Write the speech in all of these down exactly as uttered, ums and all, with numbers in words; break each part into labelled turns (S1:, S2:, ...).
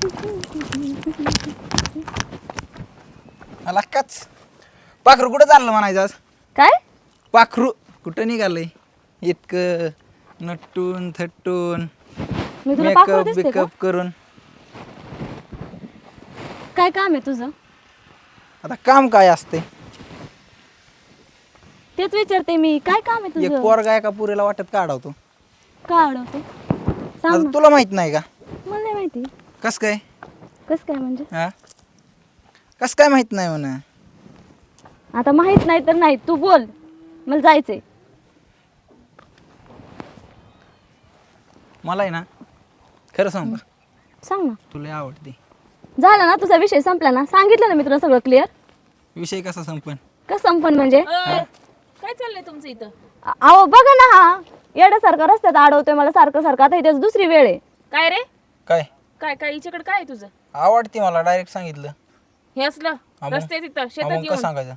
S1: मला काच पाखरू कुठं चाललं म्हणायचं आज?
S2: काय
S1: पाखरू कुठं निघालंय इतकं नटून थटून
S2: मी तुला पाखरू
S1: मेकअप
S2: दिसते का?
S1: बिकअप करून?
S2: काय काम आहे तुझं?
S1: आता काम काय असते?
S2: तेच विचारते मी, काय काम आहे
S1: एक
S2: तुझं?
S1: पोरगा एका पुरीला वाटत काढवतो.
S2: का अडवते सांग
S1: आता
S2: ना.
S1: तुला माहित नाही का?
S2: मला नाही माहिती.
S1: कस काय?
S2: कस काय म्हणजे?
S1: हा कस काय माहित नाही म्हणा?
S2: आता माहित नाही तर नाही, तू बोल, मला जायचंय.
S1: मला आहे ना खरं सांग का,
S2: सांग ना.
S1: तुला आवडते.
S2: झालं ना तुझा विषय संपला ना, सांगितलं ना मी तुला सगळं क्लिअर.
S1: विषय कसा संपन?
S2: का संपन म्हणजे?
S3: काय चाललंय तुमचं इथं?
S2: अ- अहो बघा ना, हा येड्यासारखा रस्त्यात अडवतोय मला सारखं सारखं. आता इथे दुसरी वेळ आहे.
S3: काय रे?
S1: काय
S3: काय काय हिच्याकडे काय आहे तुझं?
S1: आवडते मला, डायरेक्ट सांगितलं.
S3: हे असलं
S1: मग?
S3: रस्त्यात इथं
S1: हा,
S3: शेतात
S1: मग कसं
S3: येऊन
S1: सांगायचं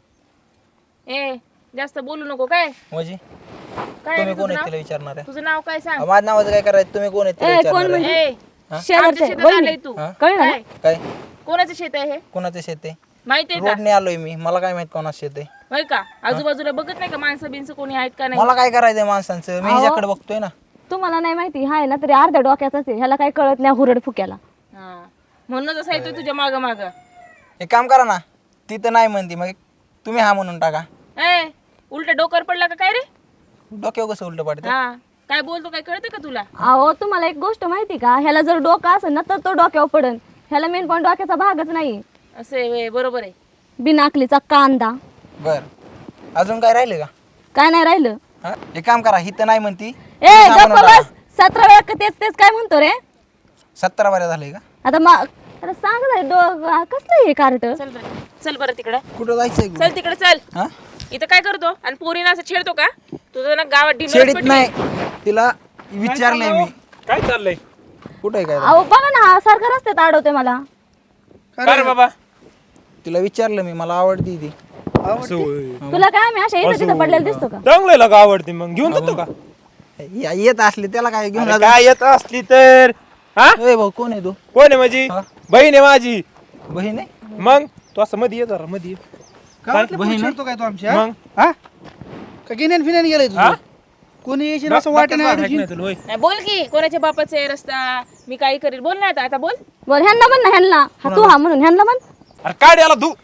S3: ए जास्त बोलू नको. काय
S1: म्हणजे?
S3: काय
S1: तुम्ही
S3: रे
S1: कोण
S3: तुझं
S1: आहे
S3: नाव?
S1: तिला विचारणार आहे?
S3: तुझं नाव काय सांग?
S1: माझ्या नावाचं काय करायचं? तुम्ही कोण आहे तिला
S2: ए, कोण
S1: विचारणार आहे?
S2: म्हणजे?
S3: ए आमच्या
S2: शेजारचे
S3: शेतात
S2: वहिनी.
S3: आलंय तू.
S1: हा?
S2: कळलं ना?
S3: काय?
S1: काय
S3: कोणाचं शेत आहे हे?
S1: कोणाचं शेत आहे?
S3: माहिती आहे का?
S1: रोडने आलोय मी, मला काय माहित कोणाचं शेत आहे?
S3: होय का? आजूबाजूला बघत नाही का माणसं बिनसं कोणी आहेत का नाही?
S1: मला काय करायचंय माणसांचं? मी
S2: अहो.
S1: ह्याच्याकडे बघतोय ना.
S2: तुम्हाला नाही माहिती, हाय ना तरी अर्ध्या डोक्याचाच आहे. ह्याला काय कळत नाही हुरड फुक्याला.
S3: हा म्हणूनच असं येतोय तुझ्या माग माग.
S1: एक काम करा ना, ती तर नाही म्हणती, मग तुम्ही हा म्हणून टाका.
S3: ए उलट डोकर पडला का काय रे?
S1: डोक्यावर कसं उलट पडतं?
S3: हा काय बोलतो काय कळतं का तुला?
S2: अहो तुम्हाला एक गोष्ट माहिती का, ह्याला जर डोकं असेल ना तर तो डोक्यावर पडन. ह्याला मेन पण डोक्याचा भागच नाही.
S3: असं आहे व्हय, बरोबर आहे.
S2: बिनाकलीचा कांदा.
S1: बर अजून काय राहिले का?
S2: काय नाही राहिलं.
S1: हा? एक काम करा, ही तर नाही म्हणती,
S2: ए
S1: हा
S2: गप्प
S1: म्हणून टाका.
S2: बस. सतरा वेळा का तेच तेच काय म्हणतो रे?
S1: सतरा बाऱ्या झाले का?
S2: आता मा अरे सांग ना, डो कसलं हे कार्ट?
S3: चल बरं चल बरं तिकडं.
S1: कुठं जायचंय?
S3: चल तिकडे चल.
S1: हा
S3: इथं काय करतो आणि पोरीना असं छेडतो का? तुझं ना गावात ढिंडोरच
S1: शेडीत
S3: पेटली.
S1: नाही, तिला विचारलंय मी.
S4: काय चाललंय?
S1: कुठे काय?
S2: अहो बघा ना, हा सारखा रस्त्यात अडवतोय मला.
S4: काय रे बाबा?
S1: तिला विचारलं मी, मला आवडती ती.
S4: असं होय.
S2: तुला काय आम्ही अशा इथं तिथं पडलेला दिसतो का?
S4: चांगलं का आवडते मग घेऊन जातो का?
S1: या- येत असली त्याला काय घेऊन
S4: अरे
S1: जातो?
S4: काय येत असली तर हा
S1: ए भाऊ, कोण आहे तू?
S4: कोण आहे माझी
S1: हा?
S4: बहीण आहे माझी.
S1: बहीण आहे?
S4: मग तू असं मध्ये ये जरा मध्ये ये.
S1: काय बहीण आहे?
S5: तो काय तो आमच्या
S4: मग
S5: हा का गिन्यान फिन्यान गेलाय
S4: हा?
S5: तुझं कोणी येशील असं वाटत
S4: डोक्यात
S5: नाही
S4: हाक नाही तुला, होय.
S3: नाही, बोल की कोणाच्या बापाचा आहे रस्ता, मी काही करेल. बोल ना आता आता बोल.
S2: बोल ह्यांना म्हण ना, ह्यांना हा तू हा म्हणून ह्यांना म्हण.
S4: अरे काय याला धू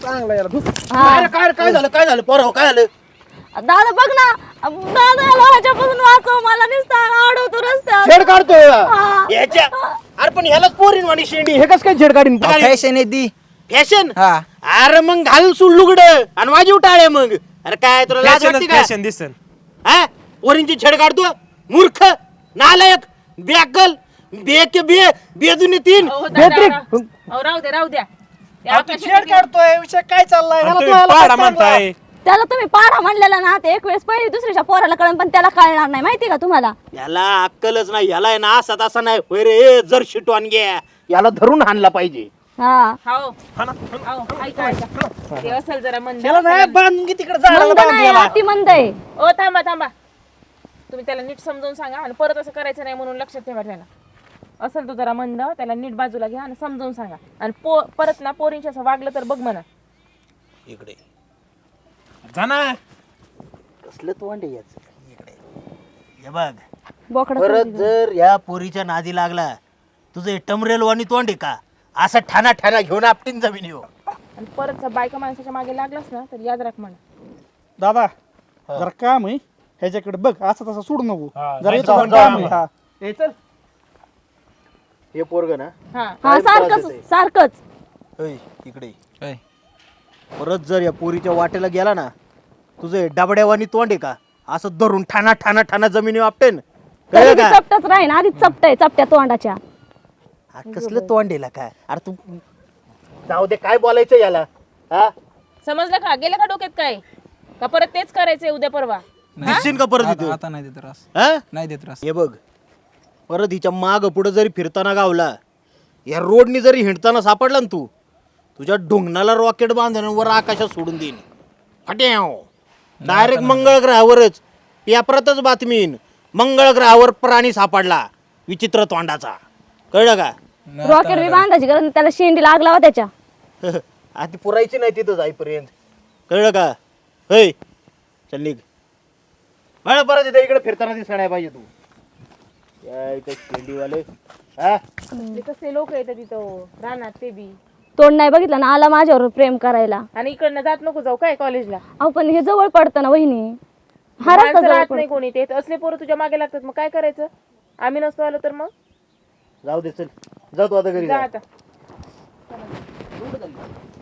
S2: हा
S5: काय काय झालं काय झालं पोरं काय झालं
S2: दादा बघ ना, दादा याला ह्याच्यापासून वाचव, मला नुसता अडवतो रस्त्यात.
S5: छेड काढतोय
S2: हा.
S5: याच्या अरे पण ह्यालाच पोरीन वाणी शेंडी हे कस काय छेड काढीन
S1: फॅशन आहे ती.
S5: फॅशन
S1: हा
S5: अरे मग घाल सुल लुगड आणि वाजीव टाळे मग अरे काय तुला लाज वाटते का
S4: फॅशन दिसन.
S5: हा पोरींची छेड काढतो मूर्ख नालायक बेअक्कल बेके बे बेदुनी तीन
S3: अहो, दादा,
S5: बेत्रिक
S3: राव- अहो, राहू द्या राहू द्या. ते
S5: अहो, तू
S3: आकाशात
S5: छेड
S3: गेलं.
S5: काढतोय विषय काय चाललाय
S4: आणि
S5: ह्याला
S4: तुम्ही
S5: तू ह्याला
S4: पाडा
S5: काय चाललंय?
S4: म्हणताय.
S2: त्याला तुम्ही पाडा म्हणलेला ना, ते एक वेळेस पहिली दुसऱ्याच्या पोराला कळण, पण त्याला कळणार नाही. माहिती का तुम्हाला?
S5: याला अक्कलच नाही याला आहे ना असा तसा नाही होय रे ए, जर शिटवान घ्या याला धरून हाणला पाहिजे
S2: हा
S3: हाव हाव, ऐका ऐका. ते असेल जरा मंद.
S5: त्याला नाही बांधून की तिकडे जायला
S2: मंद
S5: बांध
S2: नाही,
S5: याला.
S2: अति मंद आहे.
S3: ओ थांबा थांबा. तुम्ही त्याला नीट समजावून सांगा आणि परत असं करायचं नाही म्हणून लक्षात ठेवा. त्याला असेल तो जरा मंद, त्याला नीट बाजूला घ्या आणि समजावून सांगा. आणि पो परत ना पोरींशी असं वागलं तर बघ म्हणा.
S5: इकडे
S4: जा ना.
S5: कसलं तोंड आहे याचं इकडे हे बघ
S2: बोकडा
S5: परत जर या पोरीच्या नादी लागला तुझं हे टमरेलवाणी तोंड आहे का असं ठाणा ठाणा घेऊन आपटीन जमीन येऊ
S3: आणि परत बायका माणसाच्या मागे लागलास ना तर याद राख म्हणा.
S6: दादा जरा काम आहे ह्याच्याकडे बघ, असं तसं सोडू नको.
S4: हा,
S6: जरा
S4: नाही
S6: याचं
S4: तर
S6: काम
S4: जाऊ
S6: आहे. हा
S5: हे चल हे पोरग ना
S3: हा
S2: हा सारखंच सारखंच.
S5: ओय, इकडे
S1: काय?
S5: परत जर या पोरीच्या वाटेला गेला ना तुझं हे डबड्यावानी तोंड आहे का असं धरून ठाणा ठाणा ठाणा जमिनी आपटेन
S2: तरी
S5: कळलं
S2: ती
S5: का
S2: चपटच राहीन, आधीच चपटय चपट्या तोंडाच्या.
S5: हा, कसलं तोंड आहे का अरे तू जाऊ दे काय बोलायचं याला हा
S3: समजलं का? गेलं का डोक्यात काय? का परत तेच करायचंय उद्या परवा?
S5: दिसशील का परत
S1: आता
S5: इथं?
S1: आता नाही देत त्रास,
S5: हा?
S1: नाही देत त्रास.
S5: हे बघ परत हिच्या माग पुढे जरी फिरताना गावला या रोडनी जरी हिंडताना सापडला ना तू तुझ्या ढुंगणाला रॉकेट बांधून वर आकाशात सोडून देईन फट्याव डायरेक्ट मंगळ ग्रहावरच पेपरातच बातमीन मंगळ ग्रहावर प्राणी सापडला विचित्र तोंडाचा कळलं का
S2: रॉकेट बी बांधायची गरज नाही, त्याला शेंडी लागला लावा त्याच्या.
S5: आधी पुरायची नाही तिथं जाईपर्यंत, कळलं का? होय चल निघ. मला परत इथे इकडे फिरताना दिसणार नाही पाहिजे तू. या इथे शेंडीवाले हा
S3: ते कसे लोक येतात तिथं राहणार ते बी,
S2: तोंड नाही बघितलं ना आला माझ्यावर प्रेम करायला.
S3: आणि इकडनं जात नको जाऊ काय कॉलेजला.
S2: अहो पण हे जवळ पडतं ना वहिनी, हा रस्ता
S3: माणसं
S2: जवळ
S3: राहत
S2: पडतो.
S3: नाही कोणी, ते असले पोरं तुझ्या मागे लागतात, मग काय करायचं? आम्ही नसतो आलो तर मग
S5: जाऊ दे चल, जाऊ तू आता घरी
S3: जा
S5: जा.
S3: आता.